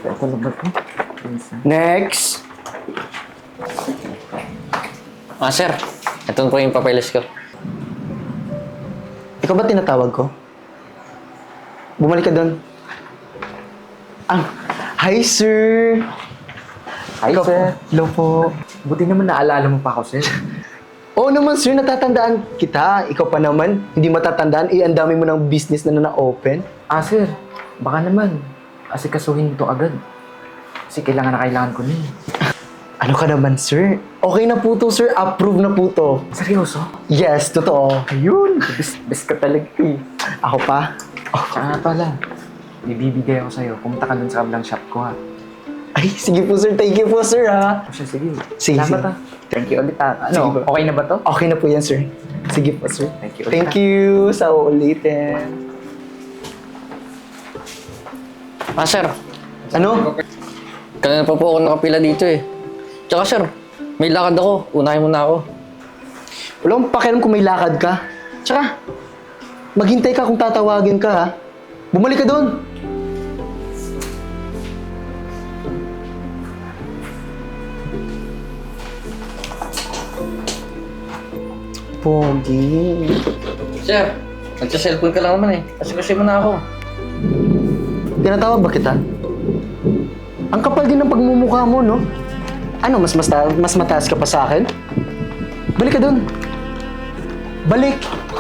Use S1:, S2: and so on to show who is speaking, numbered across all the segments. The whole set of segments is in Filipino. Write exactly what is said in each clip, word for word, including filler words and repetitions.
S1: Ito na ba ito?
S2: Next!
S3: Ah, sir. Ito po yung papeles ko.
S2: Ikaw ba tinatawag ko? Bumalik ka doon. Ah, hi sir!
S1: Hi,
S2: Ikaw
S1: sir.
S2: po. Hello po.
S1: Buti naman naalala mo pa ako, sir.
S2: Oo naman sir, natatandaan kita. Ikaw pa naman, hindi matatandaan. Eh, ang dami mo ng business na na-open.
S1: Ah, sir. Baka naman. Asikasuhin mo to agad. Kasi kailangan na kailangan ko na eh.
S2: Ano ka naman sir? Okay na po to sir, approve na po to.
S1: Seryoso?
S2: Yes, totoo.
S1: Ayun. Best, best ka talaga eh.
S2: Ako pa?
S1: Tsaka nga pala. May bibigay ako sa'yo. Pumunta ka dun sa kabilang shop ko ha.
S2: Ay, sige po sir, thank you po sir ha.
S1: O siya, sige.
S2: Sige,
S1: Salamat
S2: sige.
S1: ha. Thank you ulit ha.
S2: Sige
S1: Ano,
S2: ba?
S1: okay na ba to?
S2: Okay na po yan sir. Sige po sir.
S1: Thank you ulit
S2: Thank
S1: ha.
S2: you sa uulitin.
S3: Ah, sir.
S2: Ano?
S3: Kanina pa po ako nakapila dito eh. Tsaka, sir, may lakad ako. Unahin mo na ako.
S2: Wala akong pakialam kung may lakad ka. Tsaka, maghintay ka kung tatawagin ka ha. Bumalik ka doon. Pogi.
S3: Sir, nagsa-cellphone ka lang naman eh. Kasi kasi mo na ako.
S2: Tinatawag ba kita? Ang kapal din ng pagmumukha mo, no? Ano, mas, mas, mas mataas ka pa sa akin? Balik ka doon. Balik.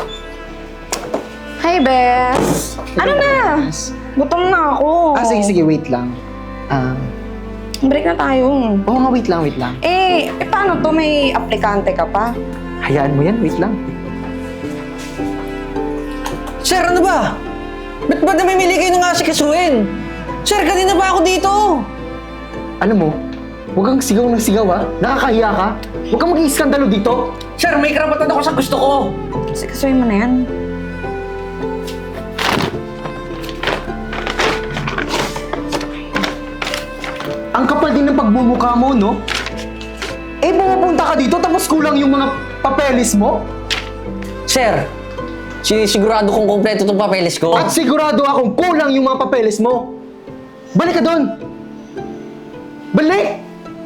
S4: Hi, Bes! Ano na? Gutom na ako.
S2: Ah, sige, sige, wait lang. Ah,
S4: Break na tayo.
S2: oo nga, wait lang, wait lang.
S4: Eh, eh, paano to? May aplikante ka pa?
S2: Hayaan mo yan, wait lang.
S3: Sir, ano ba? Ba't ba namimili kayo ng asikasuhin? Sir, kanina pa ako dito.
S2: Alam mo, huwag kang sigaw ng sigaw, ha? Nakakahiya ka. Huwag kang mag-iiskandalo dito.
S3: Sir, may karapatan ako sa gusto ko.
S4: Kasi kasuhin mo na yan.
S2: Ang kapal din ng pagmumukha mo, no? Eh, pumupunta ka dito tapos kulang yung mga papeles mo?
S3: Sir, sinisigurado kong kompleto itong papeles ko.
S2: At sigurado akong kulang yung mga papeles mo. Balik ka doon! Balik!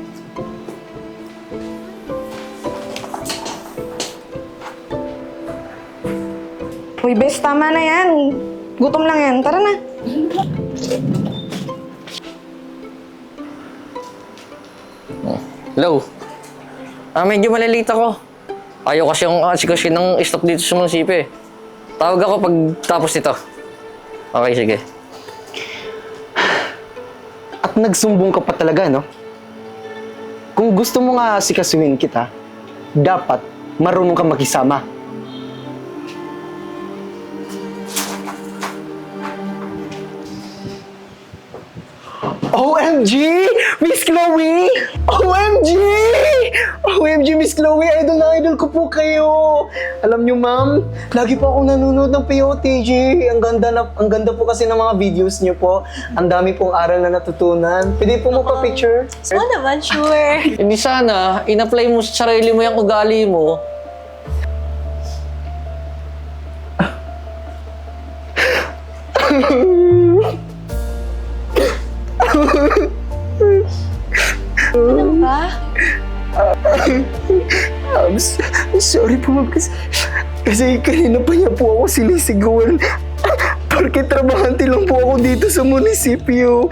S4: Uy, Bes, tama na yan. Gutom lang yan. Tara na.
S3: Hello? Ah, medyo malilate ako. Ayaw kasi yung asikasin ng stock dito sa munisipyo eh. Tawag ako pag tapos nito. Okay, sige.
S2: At nagsumbong ka pa talaga, no? Kung gusto mo nga sikasuhin kita, dapat marunong ka makisama. O M G! Miss Chloe! O M G! O M G, Miss Chloe! Idol na idol ko po kayo! Alam nyo, ma'am, lagi po akong nanonood ng P O T G. Ang ganda, na, ang ganda po kasi ng mga videos nyo po. Ang dami pong aral na natutunan. Pwede po mo pa picture?
S5: Oo naman, sure.
S3: Hindi sana, in-apply mo sa sarili mo yung ugali mo.
S5: Ano ba?
S2: Um, s- sorry po, ma'am. Kasi, kasi kanina pa niya po ako sinisigawan. Porque trabahante lang po ako dito sa munisipyo.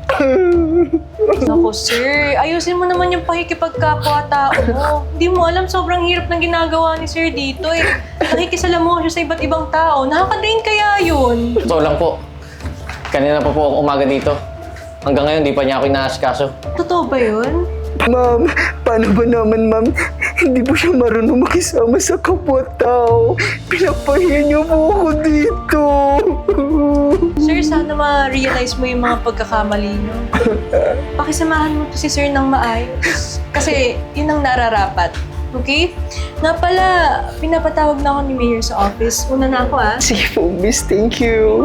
S5: Naku, sir. Ayusin mo naman yung pakikipagkapwa-tao mo. Hindi mo alam, sobrang hirap ng ginagawa ni sir dito eh. Nakikisalamuha siya sa iba't ibang tao. Nakaka-drain kaya yun.
S3: Totoo lang po. Kanina pa po ako umaga dito. Hanggang ngayon, di pa niya ako inaasikaso.
S5: Totoo ba yun?
S2: Ma'am, paano ba naman, ma'am? Hindi po siya marunong makisama sa kapwa-tao. Pinapahiya niyo po ako dito.
S5: Sir, sana ma-realize mo yung mga pagkakamali nyo. Pakisamahan mo to si sir ng maayos. Kasi yun ang nararapat. Okay? Nga pala, pinapatawag na ako ni Mayor sa office. Una na ako ah.
S2: Sige po, miss. Thank you.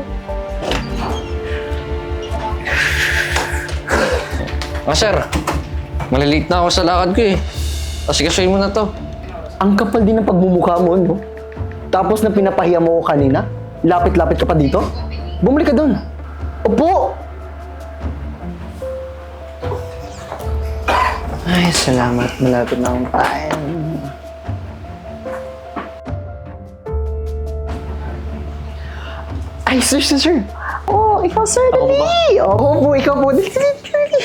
S3: Ah, sir. Malilate na ako sa lakad ko eh. Asikasuhin mo na to.
S2: Ang kapal din ng pagmumukha mo, no? Tapos na pinapahiya mo ko kanina, lapit-lapit ka pa dito? Bumalik ka doon. Opo! Ay, salamat. Malapit na akong time. Ay, sir, sir, sir. Oh, ikaw, sir, dali. Oo po, ikaw po. Dali, dali, dali.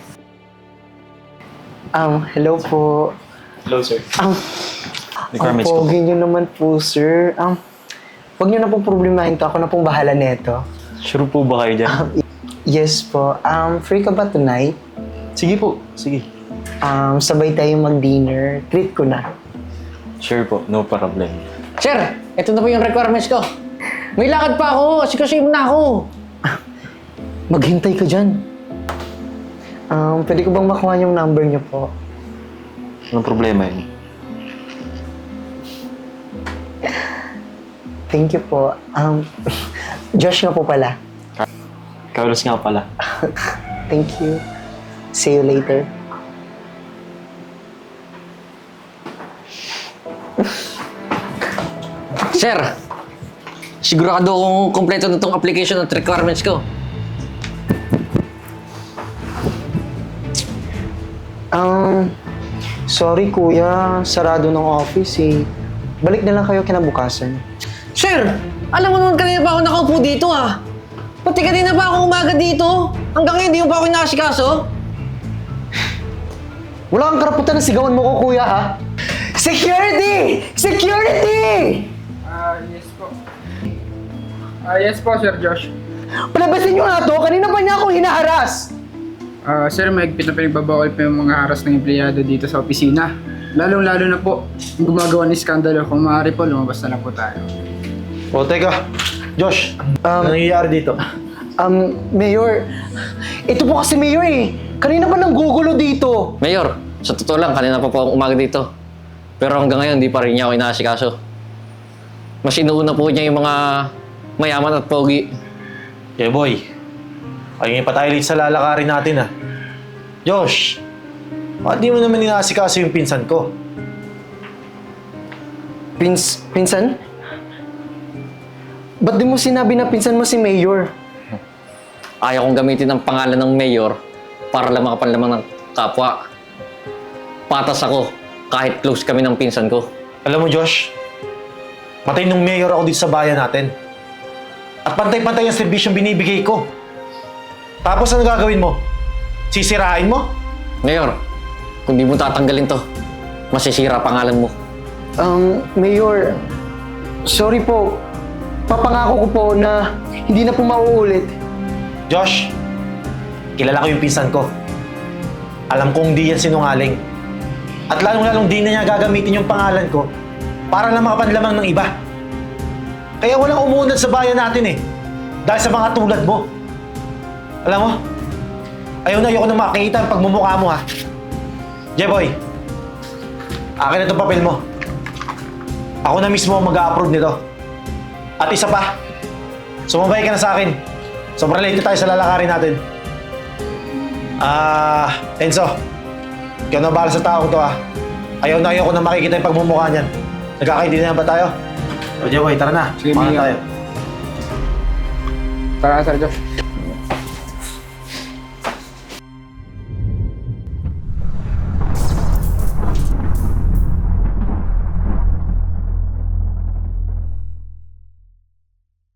S2: Um, hello po.
S6: Hello, sir.
S2: Um, ang
S6: Requirements ko.
S2: pogi nyo naman po, sir. Um, huwag nyo na pong problemahin to. Ako na pong bahala neto.
S6: Sure po ba kayo dyan?
S2: Yes po. Um, free ka ba tonight?
S6: Sige po, sige.
S2: Um, sabay tayo mag-dinner. Treat ko na.
S6: Sure po, no problem.
S3: Sir, ito na po yung requirements ko. May lakad pa ako, asikasuhin mo na ako.
S2: Maghintay ka dyan. Um, pwede ko bang makuha yung number niyo po?
S6: Anong problema yun?
S2: Thank you po. Um, Josh nga po pala.
S6: Carlos nga pala.
S2: Thank you. See you later.
S3: Sir, sigurado akong kompleto na itong application at requirements ko.
S2: Um, sorry kuya, sarado ng office eh. Balik na lang kayo kinabukasan.
S3: Sir, alam mo naman kanina pa ako nakaupo dito ah. Pati kanina pa ako umaga dito. Hanggang ngayon, di mo pa ako inaasikaso.
S2: Wala kang karapatan na sigawan mo ko kuya ha? Security! Security!
S7: Ah, yes po. Ah, yes po, Sir Josh.
S2: Palabasin nyo nga to, kanina pa niya ako hinaharas!
S7: Ah, sir, mahigpit na pinagbabawal pa yung mga haras ng empleyado dito sa opisina. Lalong-lalo na po, yung gumagawa ng iskandalo. Kung maaari po, lumabas na lang po tayo.
S6: O, teka. Josh,
S2: Um,
S6: ano nangyayari dito?
S2: Um, Mayor, ito po kasi Mayor eh. Kanina pa nang gugulo dito.
S3: Mayor, sa totoo lang, kanina pa po akong umaga dito. Pero hanggang ngayon, di pa rin niya ako inaasikaso. Mas inuuna po niya yung mga mayaman at pogi.
S6: Yeah, boy. Ayun pa tayo sa lalakarin natin, ah. Josh, bakit di mo naman inaasikaso yung pinsan ko?
S2: Pins, pinsan? Ba't di mo sinabi na pinsan mo si Mayor?
S3: Ayaw kong gamitin ang pangalan ng mayor para lang makapanlamang ng kapwa. Patas ako kahit close kami ng pinsan ko.
S6: Alam mo, Josh, matay nung mayor ako dito sa bayan natin. At pantay-pantay ang serbisyong binibigay ko. Tapos ano gagawin mo? Sisirain mo?
S3: Mayor, kung di mo tatanggalin to, masisira pangalan mo.
S2: Um, Mayor, sorry po. Papangako ko po na hindi na po mauulit.
S6: Josh, kilala ko yung pinsan ko. Alam kong di yan sinungaling. At lalong-lalong di na niya gagamitin yung pangalan ko para lang makapanlamang ng iba. Kaya walang umunad sa bayan natin eh. Dahil sa mga tulad mo. Alam mo, ayaw na ayoko na makikita ang pagmumukha mo ha. Jeboy, akin na itong papel mo. Ako na mismo ang mag-a-approve nito. At isa pa, sumabay ka na sa akin. Sobrang late tayo sa lalakarin natin. Ah, Enzo, ikaw na bahala sa taong to ah. Ayaw na ayaw ko na makikita yung pagmumukha niyan. Nagkakaintindihan ba tayo? O Jeboy, tara na.
S7: Sige,
S6: Makan
S7: Mia.
S6: tayo.
S7: Tara, Sir Josh.